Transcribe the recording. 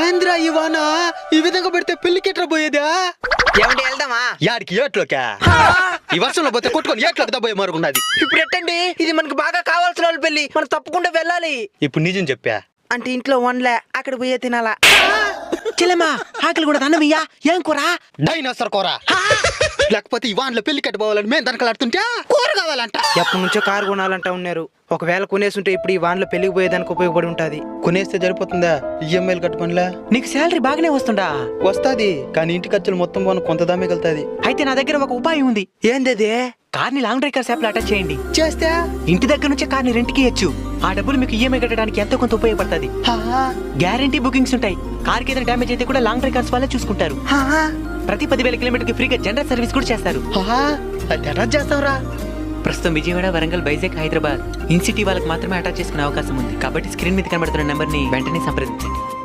ఏంద్రా ఇవానా ఈ విధంగా పెడితే పెళ్లికి ఎట్లా పోయేదా? ఏమంటే వెళ్దామా? యాడికి ఏట్లోకా? ఈ వర్షంలో పోతే కొట్టుకొని ఏట్లోకి దబ్బోయే మరుగున్నది. ఇప్పుడు ఎట్టండి, ఇది మనకు బాగా కావాల్సిన వాళ్ళ పెళ్లి, మనం తప్పకుండా వెళ్ళాలి. ఇప్పుడు నిజం చెప్పా అంటే ఇంట్లో వన్లే, అక్కడ పోయే తినాలా. చెల్లెమ్మా ఆకలి కూడా అన్నమయ్యా, ఏం కూర? డైనోసర్ కూర. లేకపోతే ఈ వాన్లో పెళ్లి కట్టుకోవాలని మేము దనకలాడుతుంటే కూర కావాలంట. ఎప్పటి నుంచో కారు కొనాలంటా ఉన్నారు. ఒకవేళ కొనేసుంటే ఇప్పుడు ఈ వాన్లో పెళ్లికి పోయేదానికి ఉపయోగపడి ఉంటది. కొనేస్తే సరిపోతుందా? ఈఎంఐలు కట్టుకోనిలా? నీకు శాలరీ బాగానే వస్తుందా? వస్తాది, కానీ ఇంటి ఖర్చులు మొత్తం పోను కొంత దామే వెళ్తాది. అయితే నా దగ్గర ఒక ఉపాయం ఉంది. ఏందది? కార్ని లాంగ్ డ్రైవ్ కార్స్ యాప్ లో అటాచ్ చేయండి. చేస్తే ఇంటి దగ్గర నుంచే కార్ని రెంట్కి ఇయ్యొచ్చు. ఆ డబ్బులు మీకు ఈఎంఐ కట్టడానికి ఎంతో కొంత ఉపయోగపడుతుంది. గ్యారంటీ బుకింగ్స్ ఉంటాయి. కార్కి ఏదైనా డ్యామేజ్ అయితే కూడా లాంగ్ డ్రైవ్ కార్స్ వాళ్ళే చూసుకుంటారు. ప్రతి 10,000 కిలోమీటర్కి ఫ్రీగా జనరల్ సర్వీస్ కూడా చేస్తారు. అటాచ్ చేస్తావురా? ప్రస్తుతం విజయవాడ, వరంగల్, వైజాగ్, హైదరాబాద్ ఇన్ సిటీ వాళ్ళకి మాత్రమే అటాచ్ చేసుకునే అవకాశం ఉంది. కాబట్టి స్క్రీన్ మీద కనబడుతున్న నెంబర్ ని వెంటనే సంప్రదించండి.